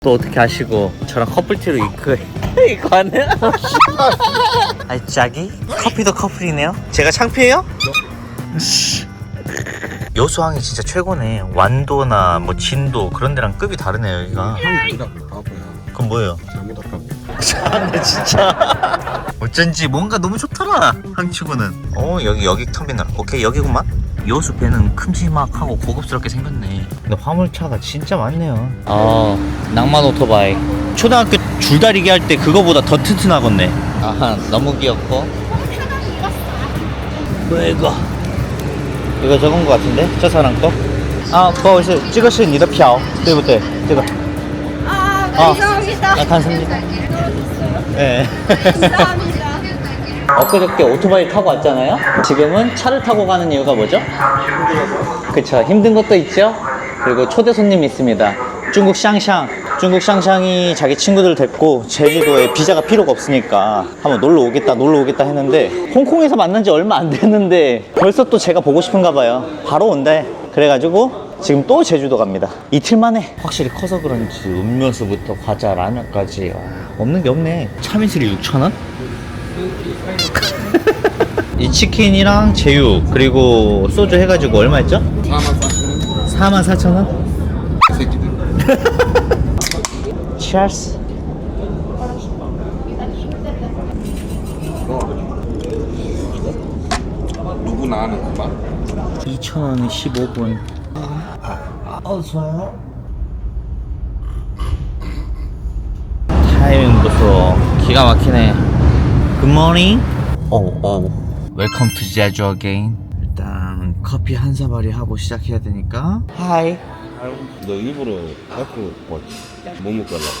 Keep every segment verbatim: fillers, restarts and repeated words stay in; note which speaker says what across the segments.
Speaker 1: 또 어떻게 하시고 저랑 커플티로 이거 이거 하네? 아이 짝이? 커피도 커플이네요? 제가 창피해요? 여수항이 진짜 최고네. 완도나 뭐 진도 그런 데랑 급이 다르네요 여기가.
Speaker 2: 아니라고 바보야.
Speaker 1: 그건 뭐예요?
Speaker 2: 잘못할까?
Speaker 1: 참네 진짜. 어쩐지 뭔가 너무 좋더라 항치구는. 어 여기 여기 터미널 오케이 여기구만. 여수 배는 큼지막하고 고급스럽게 생겼네. 근데 화물차가 진짜 많네요. 아 낭만 오토바이. 초등학교 줄다리기 할 때 그거보다 더 튼튼하겠네. 아하 너무 귀엽고. 뭐 이거 이거 적은 거 같은데 저 사람 거? 아不好意思这个是你的票对不对这个
Speaker 3: 아,
Speaker 1: 아,
Speaker 3: 감사합니다.
Speaker 1: 아 감사합니다. 네.
Speaker 3: 감사합니다.
Speaker 1: 엊그저께 오토바이 타고 왔잖아요. 지금은 차를 타고 가는 이유가 뭐죠? 그쵸 힘든 것도 있죠. 그리고 초대 손님이 있습니다. 중국 샹샹. 중국 샹샹이 자기 친구들 데리고 제주도에 비자가 필요가 없으니까 한번 놀러 오겠다 놀러 오겠다 했는데 홍콩에서 만난 지 얼마 안 됐는데 벌써 또 제가 보고 싶은가 봐요. 바로 온대. 그래가지고 지금 또 제주도 갑니다. 이틀 만에. 확실히 커서 그런지 음료수부터 과자 라면까지 와, 없는 게 없네. 참이슬이 육천 원? 이 치킨이랑 제육 그리고 소주 해가지고 얼마였죠?
Speaker 2: 사만 사천 원.
Speaker 1: 사만 사천 원?
Speaker 2: 새끼들.
Speaker 1: Cheers.
Speaker 2: 누구나 아는 그 말.
Speaker 1: 이천 원에 십오 분. 어, 좋아요. 타이밍 보소. 기가 막히네. Good morning. 오, 오. Welcome to Jeju again. 일단 커피 한 사발이 하고 시작해야 되니까. Hi.
Speaker 2: 너 일부러 갖고 뭐, 뭐 먹고 가려고?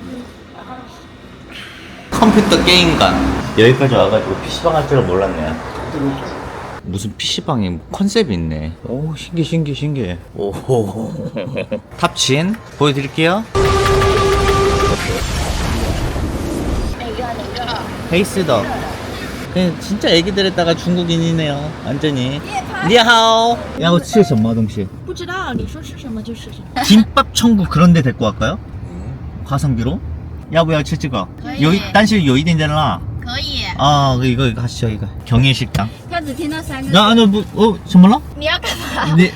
Speaker 1: 컴퓨터 게임관. 여기까지 와가지고 피시방 할 줄은 몰랐네요. 무슨 피시방에 컨셉이 있네. 오 신기해 신기해 신기해. 오호. 탑친 보여드릴게요. 헤이스더. 그냥 진짜 애기들에다가 중국인이네요 완전히. 니하오. 야我吃什么东西
Speaker 3: 不知道你说是什么就是什么。
Speaker 1: 김밥 천국 그런 데 데리고 갈까요? 가성비로? 야부야 치즈가 여기 단실 여기 된잖아.
Speaker 3: 可以。
Speaker 1: 아 이거 이거 하시죠 이거 경일식당.
Speaker 3: 他只听到三个。
Speaker 1: 야 아니 뭐어 정말로?
Speaker 3: 你要干嘛？
Speaker 1: 네.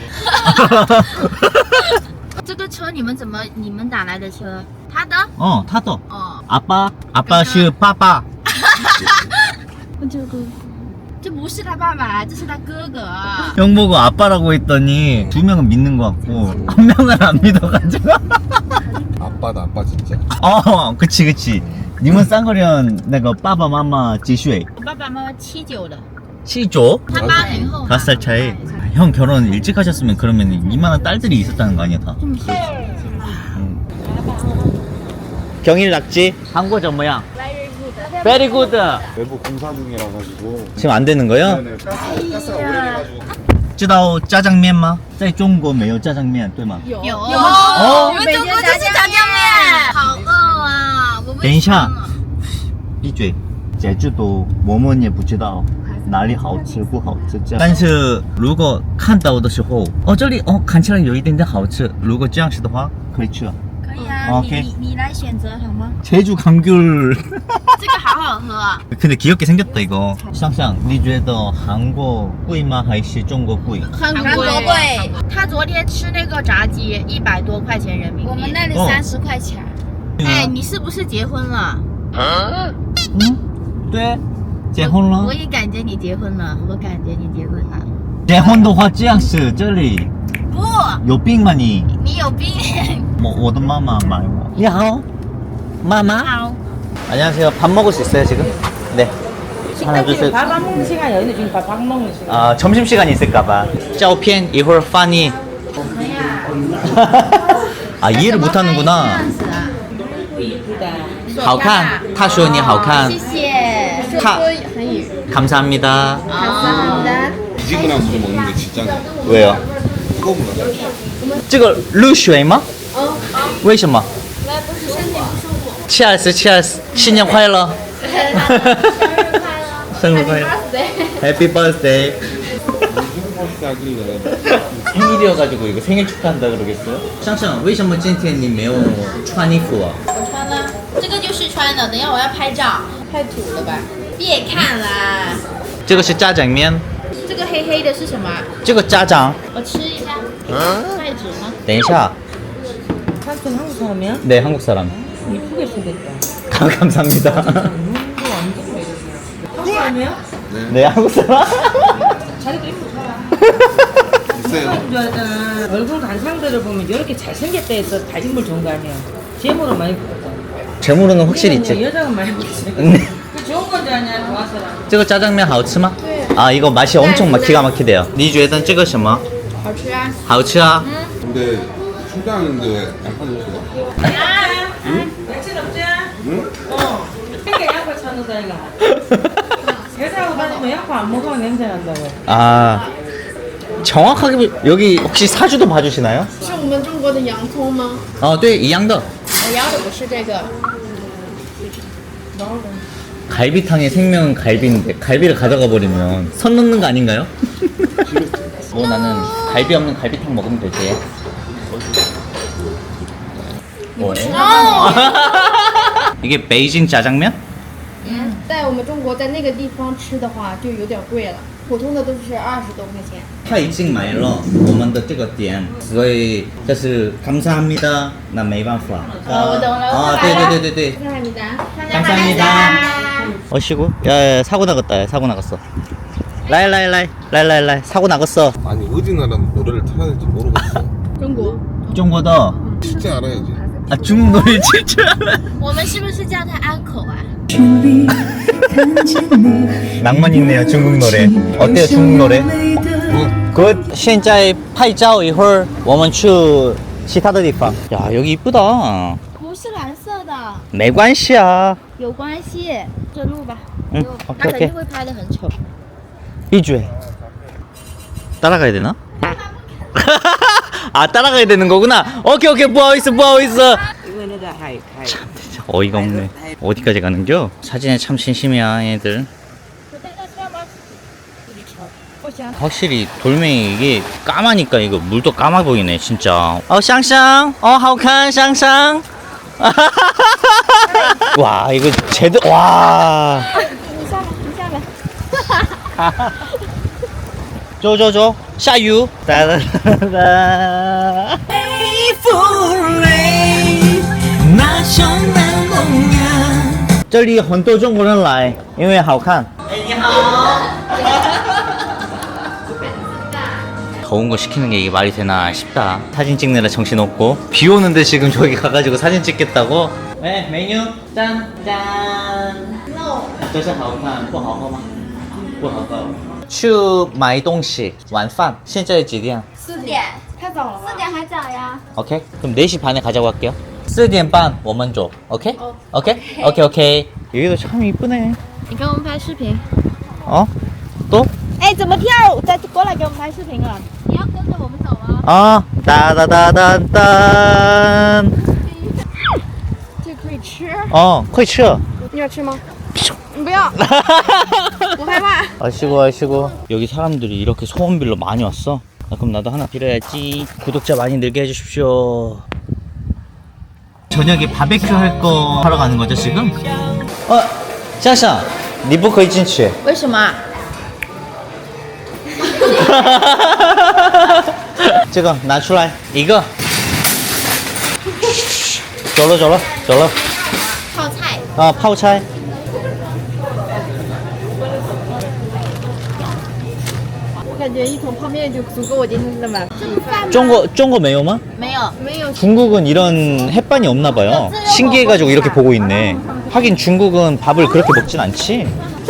Speaker 3: 这个车你们怎么你们打来的车？他的？
Speaker 1: 어 타더.
Speaker 3: 哦，
Speaker 1: 아빠 아빠是 빠빠.
Speaker 3: 这个这不是他爸爸，这是他哥哥。
Speaker 1: 형 보고 아빠라고 했더니 두 명은 믿는 것 같고 한 명은 안 믿어가지고.
Speaker 2: 아빠다 아빠 진짜.
Speaker 1: 어 그치 그치. 님은 쌍거리언 내가 빠바 마마 지슈에
Speaker 3: 我爸爸妈妈七九的，
Speaker 1: 치조.
Speaker 3: 他八零后。
Speaker 1: 다섯 살 차이. 형 결혼 일찍 하셨으면 그러면 이만한 딸들이 있었다는 거 아니야 다. 음. 경일 낙지. 한국 점 모양. Very good.
Speaker 2: 외부 공사 중이라 가지고.
Speaker 1: 지금 안 되는 거예요?
Speaker 2: 네네. 가스 오래돼가지고.
Speaker 1: 知道炸酱面吗？在中国没有炸酱面，对吗？
Speaker 3: 有有
Speaker 1: 哦
Speaker 3: 我们中国就是炸酱面，好饿啊！我们
Speaker 1: 等一下，闭嘴。제주도我们也不知道哪里好吃不好吃这样。但是如果看到的时候，哦这里哦看起来有一点点好吃，如果这样吃的话可以吃了。
Speaker 3: 可以啊，
Speaker 1: OK
Speaker 3: 你你你来选择好吗？
Speaker 1: 제주 감귤.
Speaker 3: 这个好好喝啊。
Speaker 1: 근데 귀엽게 생겼다 이거. 샹샹, 你觉得韩国贵吗还是中国贵？
Speaker 3: 韩国贵。他昨天吃那个炸鸡一百多块钱人民币。我们那里
Speaker 1: 哦
Speaker 3: 三十块钱。哎，你是不是结婚了？
Speaker 1: 嗯，对，结婚了
Speaker 3: 我。也感觉你结婚了，我感觉你结婚了。
Speaker 1: 结婚的话这样是这里
Speaker 3: 不，
Speaker 1: 有病吗你？
Speaker 3: 你有病。
Speaker 1: 我我的妈妈买我。你好，妈妈。
Speaker 3: 好。
Speaker 1: 안녕하세요. 밥 먹을 수 있어요 지금? 네. 하나 둘 셋.
Speaker 4: 밥안 먹는 시간이 어딘데 지금 밥, 밥 먹는 시간.
Speaker 1: 아 점심 시간 있을까봐. 照片一会儿发你. 아 이해를 못하는구나. 好看. 他说你好看.
Speaker 3: 谢谢。
Speaker 1: 타. 감사합니다.
Speaker 3: 감사합니다.
Speaker 2: 뒤지고 나서 좀 먹는 게 진짜.
Speaker 1: 왜요?
Speaker 2: 뜨거운 거.
Speaker 1: 这个热水吗？为什么？Cheers Cheers 新年快乐。生日快乐。Happy birthday。
Speaker 2: 무슨 버스 하길래
Speaker 1: 생일이어가지고 이거 생일 축하한다 그러겠어요? 샹샹, 为什么今天你没有穿衣服啊？
Speaker 3: 我穿了，这个就是穿的。等一下我要拍照，太土了吧？别看啦，
Speaker 1: 这个是炸酱面，
Speaker 3: 这个黑黑的是什么？
Speaker 1: 这个炸酱。
Speaker 3: 我吃一下。筷子呢？
Speaker 1: 等一下，
Speaker 4: 삼촌 한국 사람이야?
Speaker 1: 네 한국 사람.
Speaker 4: 이쁘게 생겼다.
Speaker 1: 감- 감사합니다.
Speaker 4: 눈도 완전 한국 사람이야?
Speaker 1: 네 한국 사람.
Speaker 4: 자기도 이쁘다.
Speaker 2: 있어요.
Speaker 4: 이쁜 줄 알잖아. 얼굴 간상들을 보면 이렇게 잘생겼다 해서 다 인물 좋은 거 아니야. 제모로 많이 보거든.
Speaker 1: 재물은 확실히 있지.
Speaker 4: 여자가 많이 보지.
Speaker 1: 네.
Speaker 4: 그 좋은 건지 아니야 좋아서라.
Speaker 1: 这个炸酱面好吃吗？啊， 이거 맛이 엄청 막 기가 막히대요. 你觉得这个什么
Speaker 3: 好吃啊。
Speaker 1: 好吃啊？
Speaker 2: 근데 출장인데 왜 양파 넣었어요?
Speaker 4: 응? 며칠 없지?
Speaker 2: 응?
Speaker 4: 어. 그러니까 양파 찾는다 이거. 회사하고 다니면 양파 안 먹으면 냄새 난다고.
Speaker 1: 아 정확하게 보- 여기 혹시 사주도 봐주시나요?
Speaker 3: 是我们中国的洋葱吗？
Speaker 1: 어, 对，一样的。
Speaker 3: 我要的不是这个。
Speaker 1: 갈비탕의 생명은 갈비인데 갈비를 가져가 버리면 선 넘는 거 아닌가요? 뭐 나는 갈비 없는 갈비탕 먹으면 되지. 뭐래? 이게 베이징 짜장면?
Speaker 3: 在我们中国在那个地方吃的话就有点贵了，普通的都是二十多块钱。
Speaker 1: 他已经买了我们的这个店，所以就是감사합니다。那没办法。
Speaker 3: 哦，我懂了。
Speaker 1: 啊，
Speaker 3: 我
Speaker 1: 对
Speaker 3: 来了
Speaker 1: 对对对对。
Speaker 3: 감사합니다.
Speaker 1: 감사합니다. 어시고? 야, 야 사고 나갔다. 야, 사고 나갔어. 라이 라이 라이 라이 라이 라이 사고 나갔어.
Speaker 2: 아니 어디 나라 노래를 틀어야 될지 모르겠어.
Speaker 3: 中国。
Speaker 1: 중국어.
Speaker 2: 진짜 알아야지.
Speaker 1: 아 중국 노래 진짜 알아.
Speaker 3: 我们是不是叫它安口啊？
Speaker 1: 낭만 있네요 중국 노래. 어때요 중국 노래? 굿. 现在拍照一会儿我们去其他的地方. 야 여기 이쁘다.
Speaker 3: 不是蓝色的，
Speaker 1: 没关系啊.
Speaker 3: 有关系。这录吧。
Speaker 1: 嗯
Speaker 3: 他
Speaker 1: 오케이
Speaker 3: 肯定
Speaker 1: 오케이.
Speaker 3: 会拍的很丑。
Speaker 1: 이주해. 따라가야 되나? 아 따라가야 되는 거구나. 오케이 오케이 부하오이스 부하오이스.
Speaker 4: 이거는 다 하이 하이.
Speaker 1: 참 진짜 어이가 없네. 어디까지 가는겨? 사진에 참 진심이야 얘들. 확실히 돌멩이 이게 까마니까 이거 물도 까마 보이네 진짜. 어 샹샹 어 하오칸 샹샹. 와 이거 제대로 와.
Speaker 3: 你下来，你下来。
Speaker 1: 走走走下雨。哒哒哒哒。这里很多中国人来，因为好看。哎，你好。 더운 거 시키는 게 이게 말이 되나 싶다. 사진 찍느라 정신 없고 비 오는데 지금 저기 가가지고 사진 찍겠다고. 네 메뉴 짠 짠. 这是好看不好喝吗？不好喝。去买东西晚饭现在几点？
Speaker 3: 四点，太早了吧？四点还早呀。
Speaker 1: 오케이 그럼 네 시 반에 가자고 할게요. 四点半我们走 오케이?
Speaker 3: 어.
Speaker 1: 오케이? 오케이 오케이. 여기도 참 이쁘네.
Speaker 3: 你给我们拍视频。
Speaker 1: 어? 또?
Speaker 3: 哎，怎么跳？再过来给我们拍视频了。你要跟着我们走吗？
Speaker 1: 어 따다다단단.
Speaker 3: 这可以吃。
Speaker 1: 어, 会吃.
Speaker 3: 你要吃吗？你不要，我害怕。
Speaker 1: 아시고 아시고 여기 사람들이 이렇게 소원 빌러 많이 왔어. 아, 그럼 나도 하나 빌어야지. 구독자 많이 늘게 해주십시오. 저녁에 바베큐 할 거 하러 가는 거죠 지금? 어, 샹샹, 你不可以进去.
Speaker 3: 为什么？
Speaker 1: 这个拿出来一个。走了走了走了。
Speaker 3: 泡菜。
Speaker 1: 啊，泡菜。
Speaker 3: 我感觉一桶泡面就足够我今天的晚饭。
Speaker 1: 中国中国没有吗?
Speaker 3: 没有，没有。
Speaker 1: 중국은 이런 햇반이 없나 봐요. 신기해가지고 이렇게 보고 있네. 하긴 중국은 밥을 그렇게 먹진 않지.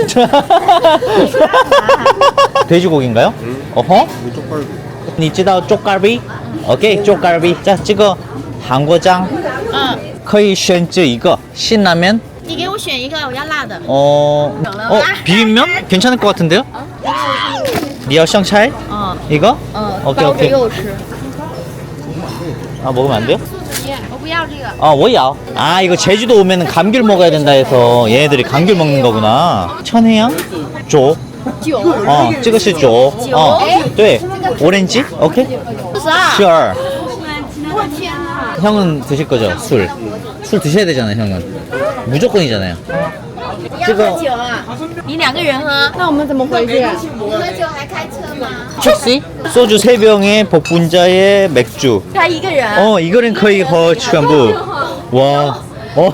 Speaker 1: 돼지고기인가요? 어허?
Speaker 2: 이거 쪽팔고.
Speaker 1: 你知道 쪽갈비? 오케이, 쪽갈비. 자, 这个韩国酱
Speaker 3: 嗯，
Speaker 1: 可以选择一个 신라면.
Speaker 3: 你给我选一个，我要辣的。
Speaker 1: 어, 어, 비빔면? 괜찮을 것 같은데요? 你要香菜?
Speaker 3: 嗯
Speaker 1: 이거?
Speaker 3: 嗯，
Speaker 1: 오케이,
Speaker 3: 包着
Speaker 1: 오케이.
Speaker 3: 给我吃。
Speaker 1: 아, 먹으면 안 돼요?
Speaker 3: 我不要这个。
Speaker 1: 아, 뭐야? 아, 이거 제주도 오면은 감귤 먹어야 된다 해서 얘네들이 감귤 먹는 거구나. 천혜향? 조.
Speaker 3: 酒。
Speaker 1: 어, 这个是酒. 어, 对.
Speaker 3: 这个
Speaker 1: 오렌지? 오케이?
Speaker 3: 四十二。
Speaker 1: Sure.
Speaker 3: 我天哪！
Speaker 1: 형은 드실 거죠? 술. 술 드셔야 되잖아요, 형은. 무조건이잖아요.
Speaker 3: 要喝酒啊？你两个人喝？那我们怎么回去？不喝酒还开车吗？
Speaker 1: 택시? 소주 세 병에 복분자에 맥주.
Speaker 3: 他一个人。
Speaker 1: 어, 이거는 거의 거 전부. 와. 어.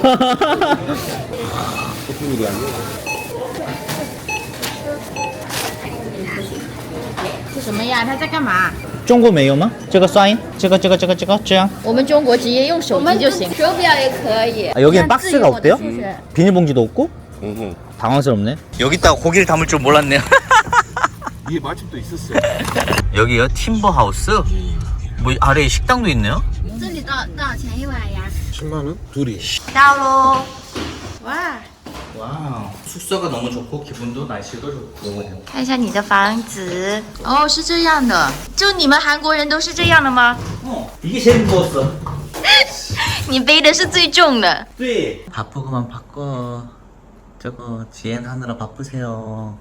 Speaker 3: 是什么呀？他在干嘛？
Speaker 1: 中国没有吗？这个刷印，这个这个这个这个这样。
Speaker 3: 我们中国直接用手机就行。手表也可以。
Speaker 1: 아, 여기는 박스가 없대요?
Speaker 3: 是不是？
Speaker 1: 비닐봉지도 없고?
Speaker 2: 응.
Speaker 1: 당황스럽네. 여기다가 고기를 담을 줄 몰랐네요.
Speaker 2: 이게 마침도 있었어.
Speaker 1: 여기요? 팀버 하우스? 뭐 아래에 식당도 있네요?
Speaker 3: 这里多多少钱一碗呀？
Speaker 2: 십만 원? 둘이.
Speaker 3: 到喽。哇，
Speaker 1: 와우. 숙소가 너무 좋고 기분도 날씨도 좋고.
Speaker 3: 看一下你的房子。哦，是这样的。就你们韩国人都是这样的吗？
Speaker 1: 어, 이게 제일 무거웠어.
Speaker 3: 你背的是最重的。
Speaker 1: 네. 바쁘고만 바꿔. 저거 지엔 하느라 바쁘세요.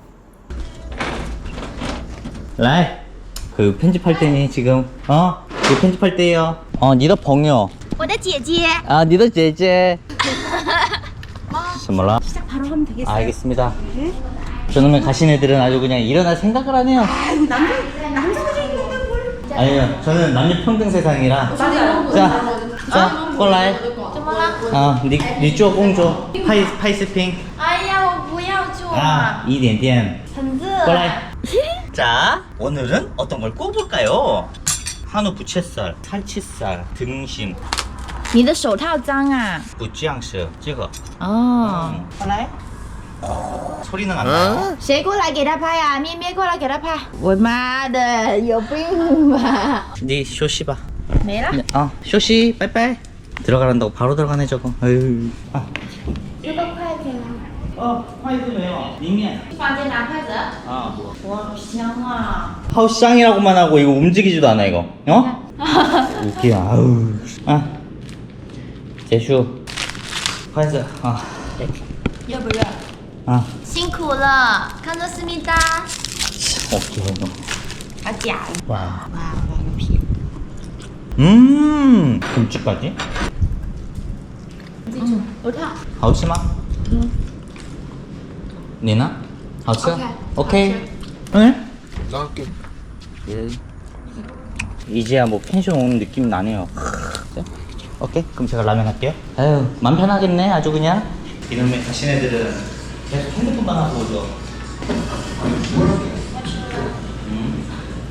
Speaker 1: 라이. 그 편집할 때니 지금 어? 그 편집할 때요. 어, 니더 벙요.
Speaker 3: 我的姐姐。
Speaker 1: 아, 니더 제제. 什么了?
Speaker 3: 시작 바로 하면 되겠어요.
Speaker 1: 알겠습니다. 저놈의 가신 애들은 아주 그냥 일어날 생각을 하네요.
Speaker 3: 아이고 남자 남자들이 있는 걸.
Speaker 1: 아니요, 저는 남녀 평등 세상이라. 자, 자, 꼴라이.
Speaker 3: 怎么了？
Speaker 1: 아, 니, 니쭈어 공조. 파이, 파이스핑.
Speaker 3: 哎呀，我不要做
Speaker 1: 아, 一点点.
Speaker 3: 很热。
Speaker 1: 꼴라이. 자, 오늘은 어떤 걸 꼽을까요? 한우 부채살, 살치살, 등심,
Speaker 3: 你的手套脏啊。
Speaker 1: 부찌앙스, 찍어.
Speaker 3: 哦。
Speaker 1: 꼴라이. 소리는 안 나요?
Speaker 3: 谁过来给他拍呀、咩咩过来给他拍。我妈的，有病吧？
Speaker 1: 니 쇼시 봐.
Speaker 3: 没了。
Speaker 1: 어, 쇼시, 빠이빠이. 들어가란다고 바로 들어가네 저거. 아유. 아.
Speaker 3: 这个筷子呢？
Speaker 1: 어, 화이트 매워. 닝면.
Speaker 3: 房间拿筷子。
Speaker 1: 아, 뭐.
Speaker 3: 哇，香啊！
Speaker 1: 하우스장이라고만 하고 이거 움직이지도 않아 이거. 어? 웃기야. 아우. 아. 제슈. 화이트. 아.
Speaker 3: 热不热？
Speaker 1: 아.
Speaker 3: 辛苦了，看着思密达。
Speaker 1: 웃겨 너.
Speaker 3: 好假。
Speaker 1: 와.
Speaker 3: 哇，挖个屁！
Speaker 1: 음. 김치까지?
Speaker 3: 嗯，我看。
Speaker 1: 하우스마? 응. 니나? 하우스?
Speaker 3: 오케이.
Speaker 1: 오케이. 응?
Speaker 2: 나갈게.
Speaker 1: 예. 이제야 뭐 펜션 오는 느낌 나네요. 자, 오케이. 그럼 제가 라면 할게요. 아유, 맘 편하겠네. 아주 그냥. 이놈의 가신 애들은 계속 핸드폰만 하고 오죠. 음.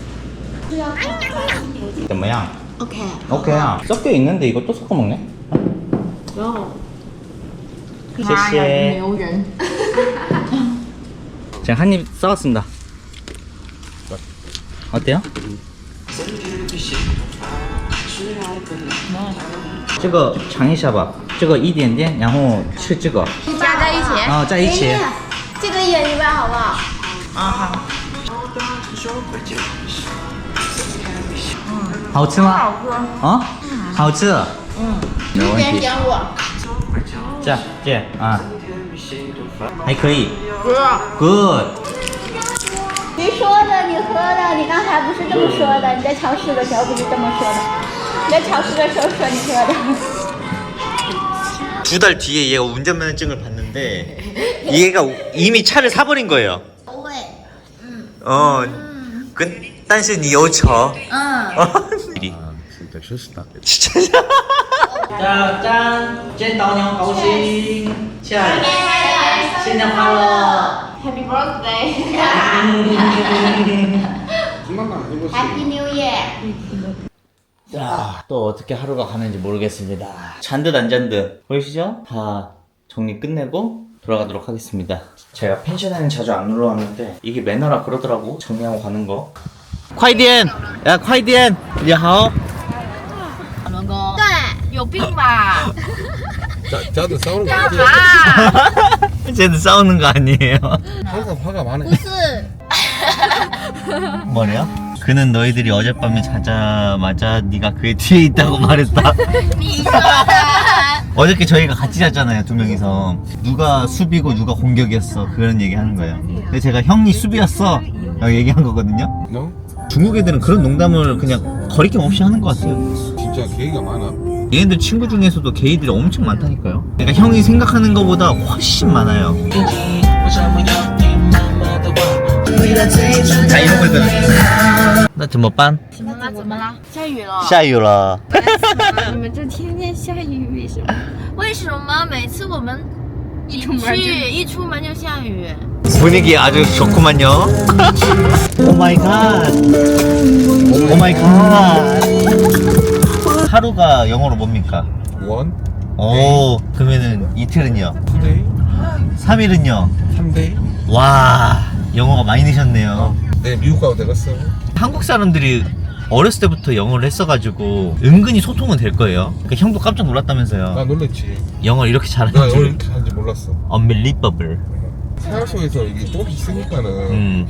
Speaker 1: 怎么样?
Speaker 3: OK。
Speaker 1: 오케이야. 섞여 있는데 이거 또 섞어 먹네. 谢谢.
Speaker 3: 牛人。
Speaker 1: 제가 한 입 싸왔습니다. 어때요? 这个尝一下吧，这个一点点，然后吃这个，
Speaker 3: 加在一起。
Speaker 1: 啊，在一起。
Speaker 3: 这个一人一半好不好？
Speaker 1: 啊好。好吃吗？
Speaker 3: 好喝。
Speaker 1: 啊？好吃。
Speaker 3: 嗯。
Speaker 1: 没问题。
Speaker 3: 点点我。
Speaker 1: 这样这样啊，还可以。
Speaker 3: 哥。
Speaker 1: Good。
Speaker 3: 谁说的？你喝的？你刚才不是这么说的？你在超市的时候不是这么说的？你在超市的时候说你喝的。
Speaker 1: 두 달 뒤에 얘가 운전면허증을 받는데 얘가 이미 차를 사버린 거예요.
Speaker 3: 不会。
Speaker 1: 어, 근, 但是你有车.
Speaker 3: 嗯。
Speaker 1: 미리.
Speaker 2: 아, 진짜 실수다.
Speaker 1: 진짜. 자, 짠. 见到你高兴. 자, 新年快乐.
Speaker 3: Happy birthday.
Speaker 2: 한번만 해보세요.
Speaker 3: Happy New Year.
Speaker 1: 자, 또 어떻게 하루가 가는지 모르겠습니다. 잔듯 안 잔듯. 보이시죠? 다 정리 끝내고 돌아가도록 하겠습니다. 제가 펜션에는 자주 안 놀러 왔는데 이게 매너라 그러더라고. 정리하고 가는 거. 콰이디엔! 야, 콰이디엔! 你好.
Speaker 3: 老公。对，有病吧？
Speaker 2: 자, 자도 싸우는 거
Speaker 3: 干
Speaker 2: 아니야?
Speaker 3: 嘛？
Speaker 1: 쟤도 싸우는 거 아니에요?
Speaker 2: 항상 화가 많아.
Speaker 3: 不是。
Speaker 1: 뭐래요? 그는 너희들이 어젯밤에 자자마자 네가 그의 뒤에 있다고 말했다.
Speaker 3: 你说的。
Speaker 1: 어저께 저희가 같이 잤잖아요, 두 명이서. 누가 수비고 누가 공격이었어. 그런 얘기 하는 거예요. 근데 제가 형이 수비였어. 라고 얘기한 거거든요.
Speaker 2: 너?
Speaker 1: 중국 애들은 그런 농담을 그냥 거리낌 없이 하는 것 같아요.
Speaker 2: 진짜 계기가 많아.
Speaker 1: 얘네들 친구 중에서도 게이들이 엄청 많다니까요. 그러니까 형이 생각하는 것보다 훨씬 많아요. 자, 이런 거 있거든. 나怎么办？
Speaker 3: 怎么了？怎么了？下雨了。
Speaker 1: 下雨了。
Speaker 3: 你们这天天下雨，为什么？为什么每次我们一出门一出门就下雨？
Speaker 1: 분위기 아주 좋구만요. 오 마이 갓. 오 마이 갓. 하루가 영어로 뭡니까?
Speaker 2: 원,
Speaker 1: 오, 그러면은 이틀은요?
Speaker 2: 투데이,
Speaker 1: 삼 일은요?
Speaker 2: 삼데이.
Speaker 1: 와, 영어가 많이 느셨네요.
Speaker 2: 네, 미국 가도 되겠어.
Speaker 1: 한국 사람들이 어렸을 때부터 영어를 했어가지고 은근히 소통은 될 거예요. 그러니까 형도 깜짝 놀랐다면서요.
Speaker 2: 나 놀랬지.
Speaker 1: 영어 이렇게
Speaker 2: 나
Speaker 1: 잘하는
Speaker 2: 오늘
Speaker 1: 줄.
Speaker 2: 이렇게 하는지 몰랐어.
Speaker 1: Unbelievable.
Speaker 2: 생활 속에서 이게 조금씩 있으니까는.
Speaker 1: 음.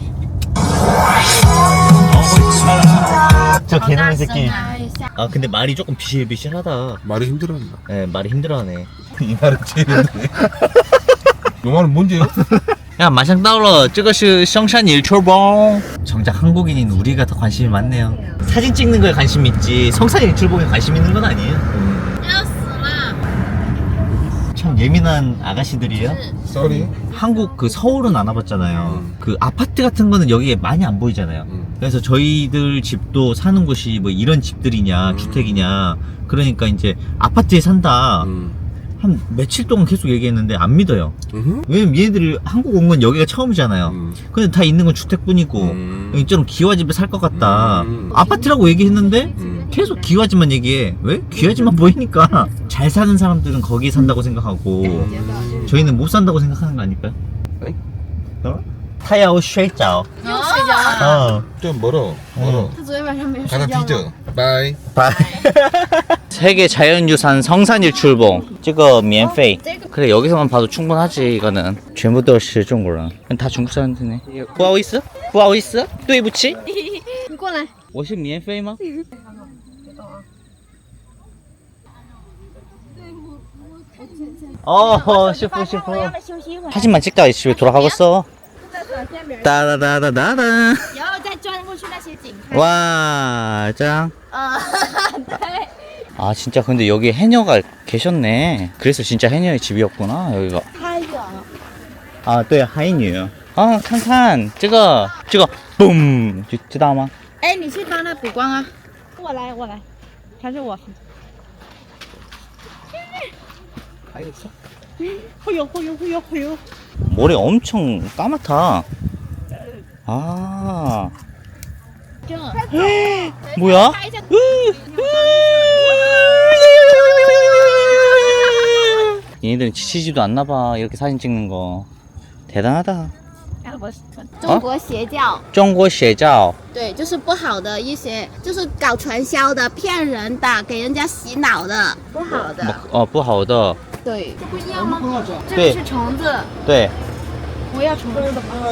Speaker 1: 저 개놈의 새끼. 아 근데 말이 조금 비실비실하다.
Speaker 2: 말이 힘들었나?
Speaker 1: 네, 말이 힘들어하네.
Speaker 2: 이 말은 제일 힘드네. 이 말은 뭔지요?
Speaker 1: 야, 马上到了，这个是香山일출봉。 정작 한국인인 우리가 더 관심이 많네요. 사진 찍는 거에 관심 있지 성산 일출봉에 관심 있는 건 아니에요. 참 예민한 아가씨들이에요.
Speaker 2: 쏘리.
Speaker 1: 한국 그 서울은 안 와봤잖아요.
Speaker 2: 음.
Speaker 1: 그 아파트 같은 거는 여기에 많이 안 보이잖아요.
Speaker 2: 음.
Speaker 1: 그래서 저희들 집도 사는 곳이 뭐 이런 집들이냐
Speaker 2: 음.
Speaker 1: 주택이냐 그러니까 이제 아파트에 산다.
Speaker 2: 음.
Speaker 1: 한 며칠 동안 계속 얘기했는데 안 믿어요.
Speaker 2: 음흠.
Speaker 1: 왜냐면 얘네들이 한국 온 건 여기가 처음이잖아요.
Speaker 2: 음.
Speaker 1: 근데 다 있는 건 주택뿐이고
Speaker 2: 음.
Speaker 1: 여기 좀 기와집에 살 것 같다.
Speaker 2: 음.
Speaker 1: 아파트라고 얘기했는데
Speaker 2: 음.
Speaker 1: 계속 기와집만 얘기해. 왜? 기와집만 보이니까 잘 사는 사람들은 거기에 산다고 생각하고 저희는 못 산다고 생각하는 거 아닐까요?
Speaker 2: 에이?
Speaker 1: 어? 타야오 쉐이짜오.
Speaker 3: 又睡觉了。
Speaker 1: 어.
Speaker 2: 좀 멀어. 멀어.
Speaker 3: 他昨天晚上没有睡
Speaker 2: 가다
Speaker 3: 觉吗？
Speaker 2: 뒤져. 바이.
Speaker 1: 세계 자연유산 성산일출봉. 这个免费. 그래 여기서만 봐도 충분하지 이거는. 全部都是中国人. 다 중국 사람들이네. 不好意思,不好意思,对不起.
Speaker 3: 你过来。
Speaker 1: 我是免费吗? 어, 시프 시프.
Speaker 3: 休息一会儿，
Speaker 1: 사진만 찍다가 집에 돌아가겠어.
Speaker 3: 然
Speaker 1: 따다다다다다.
Speaker 3: 后再转过去那些景看。
Speaker 1: 와, 짱.
Speaker 3: 啊，对。
Speaker 1: 아 진짜 근데 여기 해녀가 계셨네. 그래서 진짜 해녀의 집이었구나 여기가.
Speaker 3: 太远了。
Speaker 1: 啊对海女啊看看这个这个 boom 就知道吗？
Speaker 3: 哎，你去帮他补光啊！我来，我来，还是我。哎呦，哎呦，哎呦，哎呦！
Speaker 1: 머리 엄청 까맣다. 아
Speaker 3: 这
Speaker 1: 뭐야? 얘네들은 지치지도 않나봐 이렇게 사진 찍는 거. 대단하다.
Speaker 3: 中国邪教，
Speaker 1: 中国邪教
Speaker 3: 对，就是不好的一些，就是搞传销的、骗人的、给人家洗脑的，不好的。
Speaker 1: 어, 不好的.
Speaker 3: 对，这不一样吗？这
Speaker 1: 对
Speaker 3: 个是虫子，
Speaker 1: 对
Speaker 3: 我要虫子。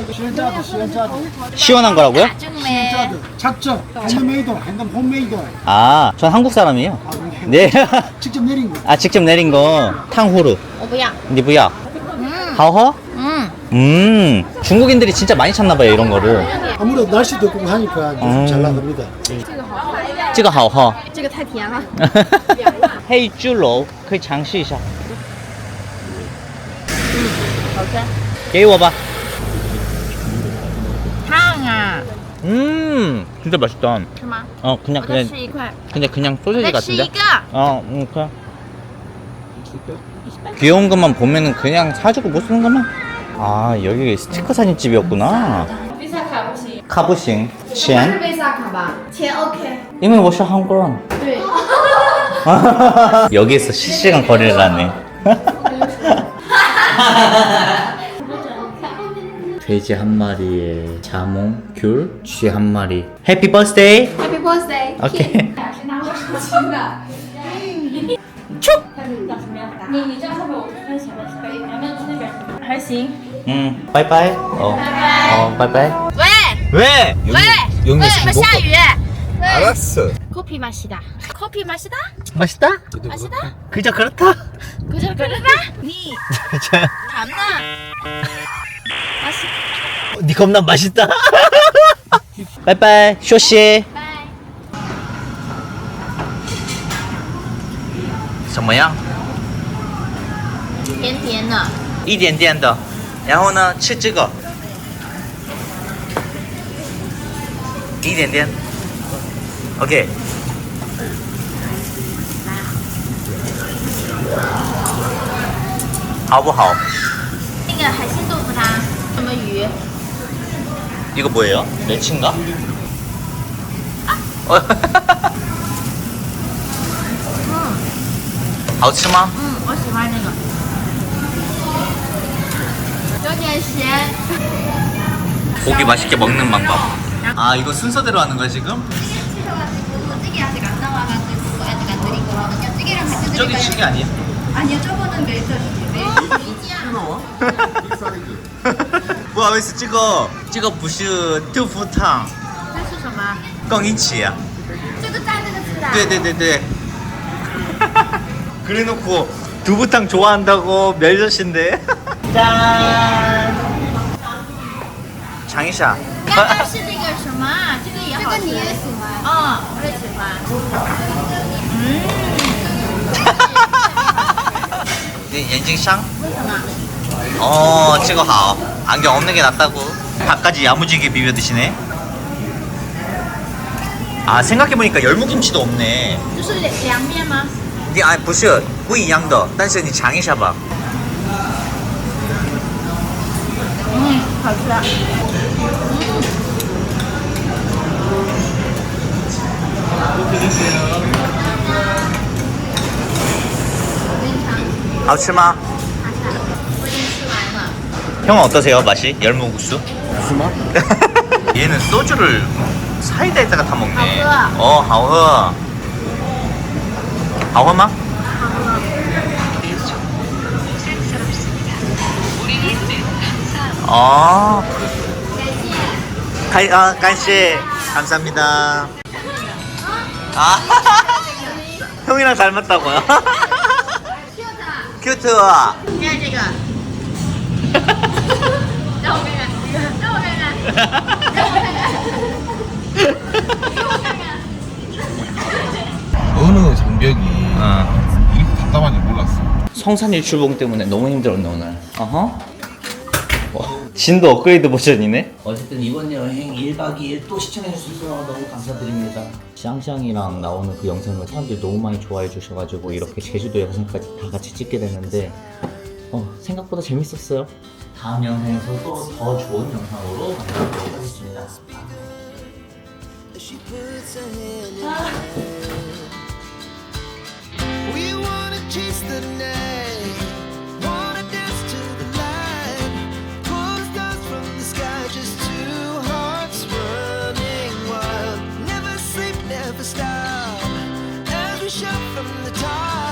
Speaker 1: 시원한 거라고요?
Speaker 3: 这个没。
Speaker 5: 작죠? 핸드메이드, 핸드 홈메이드.
Speaker 1: 아, 전 한국 사람이에요. 네.
Speaker 5: 직접 내린 거.
Speaker 1: 아, 직접 내린 거. 탕후루.
Speaker 3: 我不要。
Speaker 1: 니 부야.
Speaker 3: 嗯
Speaker 1: 하오허?
Speaker 3: 嗯，
Speaker 1: 음. 중국인들이 진짜 많이 찾나 봐요, 이런 거를.
Speaker 5: 아무래도 날씨도 덥고 하니까 좀
Speaker 1: 음.
Speaker 5: 잘 나갑니다.
Speaker 1: 这个好喝.
Speaker 3: 这个太甜了。
Speaker 1: 黑猪肉可以尝试一下.
Speaker 3: 好的。
Speaker 1: 给我吧.
Speaker 3: 烫啊，
Speaker 1: 음. 진짜 맛있다.
Speaker 3: 是吗？
Speaker 1: 어, 그냥
Speaker 3: 我再
Speaker 1: 그냥
Speaker 3: 吃一块，
Speaker 1: 근데 그냥
Speaker 3: 我
Speaker 1: 소세지
Speaker 3: 再吃一
Speaker 1: 같은데.
Speaker 3: 个。
Speaker 1: 어, 음, 그냥. 귀여운 것만 보면은 그냥 사주고 못 쓰는 것만. 아, 여기 스티커 사진집이었구나. 카부싱. 钱.
Speaker 3: 贝萨卡吧？钱 OK。
Speaker 1: 因为我是韩国人.
Speaker 3: 对。
Speaker 1: 여기에서 실시간 거래를 하네. 돼지 한 마리에 자몽, 귤, 쥐 한 마리. 해피 버스데이.
Speaker 3: Happy birthday。
Speaker 1: 오케이.
Speaker 4: 你你这样会不会我看前面是背？你要不要去那边？还行。
Speaker 1: 응, 바이바이. 어, 어, 바이바이.
Speaker 3: 喂
Speaker 1: 왜?
Speaker 3: 喂
Speaker 2: 영미
Speaker 3: 喂，怎么下雨？
Speaker 2: 알았어.
Speaker 3: 커피 마시다. 커피 마시다.
Speaker 1: 맛있다?
Speaker 3: 마시다.
Speaker 1: 그저 그렇다.
Speaker 3: 그저 그러다. 니 담나. 마시.
Speaker 1: 네 겁나 맛있다. 拜拜，休息。
Speaker 3: 拜。
Speaker 1: 怎么样？
Speaker 3: 甜甜的。
Speaker 1: 一点点的。然后呢，吃这个，一点点。OK。好不好？
Speaker 3: 那个海鲜豆腐汤，什么鱼？
Speaker 1: 이거 뭐예요? 멸치인가? 어. 好吃吗?
Speaker 3: 嗯，我喜欢那个，有点咸。
Speaker 1: 고기 맛있게 먹는 방법. 아, 이거 순서대로 하는 거야 지금?
Speaker 3: 찌개 아직 안 나와가지고 아직 안 드리거든요. 찌개랑 같이
Speaker 1: 저기
Speaker 3: 드릴까요?
Speaker 1: 찌개 아니야?
Speaker 3: 아니요, 저거는 멜젓이에요.
Speaker 1: 와, 왜 찍어? 찍어 부시 두부탕
Speaker 3: 这是什么？
Speaker 1: 跟一起啊?
Speaker 3: 这个蘸这个吃的。
Speaker 1: 对对对对. 그래놓고 두부탕 좋아한다고 멸젓인데. 짠. 장이샤.
Speaker 3: 刚刚是这个什么？这个也好吃。这个你也喜欢？哦，我也喜欢。
Speaker 1: 네, 엔징샹?
Speaker 3: 为什么？
Speaker 1: 어, 찍어 하. 안경 없는 게 낫다고. 밥까지 야무지게 비벼 드시네. 아, 생각해보니까 열무김치도 없네.
Speaker 3: 就是凉凉面吗？
Speaker 1: 你啊不是不一样的，但是你尝一下吧。
Speaker 3: 嗯，好吃。
Speaker 1: 好吃吗？
Speaker 3: 我已经吃完了。
Speaker 1: 형은 어떠세요 맛이? 열무국수?
Speaker 5: 무슨 맛?
Speaker 1: 얘는 소주를 사이다에다가 타 먹네.
Speaker 3: 하우허.
Speaker 1: 어, 하우허. 하우허마? 어. 가, 아, 간씨 감사합니다. 아, 형이랑 닮았다고요? 큐트.
Speaker 3: 你看这个，让我看看，让我看看，让我看看，给我看看。
Speaker 2: 어느 장벽이
Speaker 1: 어.
Speaker 2: 이렇게 답답한지 몰랐어.
Speaker 1: 성산일출봉 때문에 너무 힘들었네 오늘. 어허. 어, 진도 업그레이드 버전이네. 어쨌든 이번 여행 일 박 이 일 또 시청해주셔서 너무 감사드립니다. 샹샹이랑 나오는 그 영상을 사람들이 너무 많이 좋아해 주셔가지고 이렇게 제주도 영상까지 다 같이 찍게 됐는데 어, 생각보다 재밌었어요. 다음 영상에서 또 더 좋은 영상으로 만나보도록 하겠습니다.
Speaker 6: We wanna chase the night, wanna dance to the light, pull stars from the sky, just two hearts running wild. Never sleep, never stop, as we shout from the top.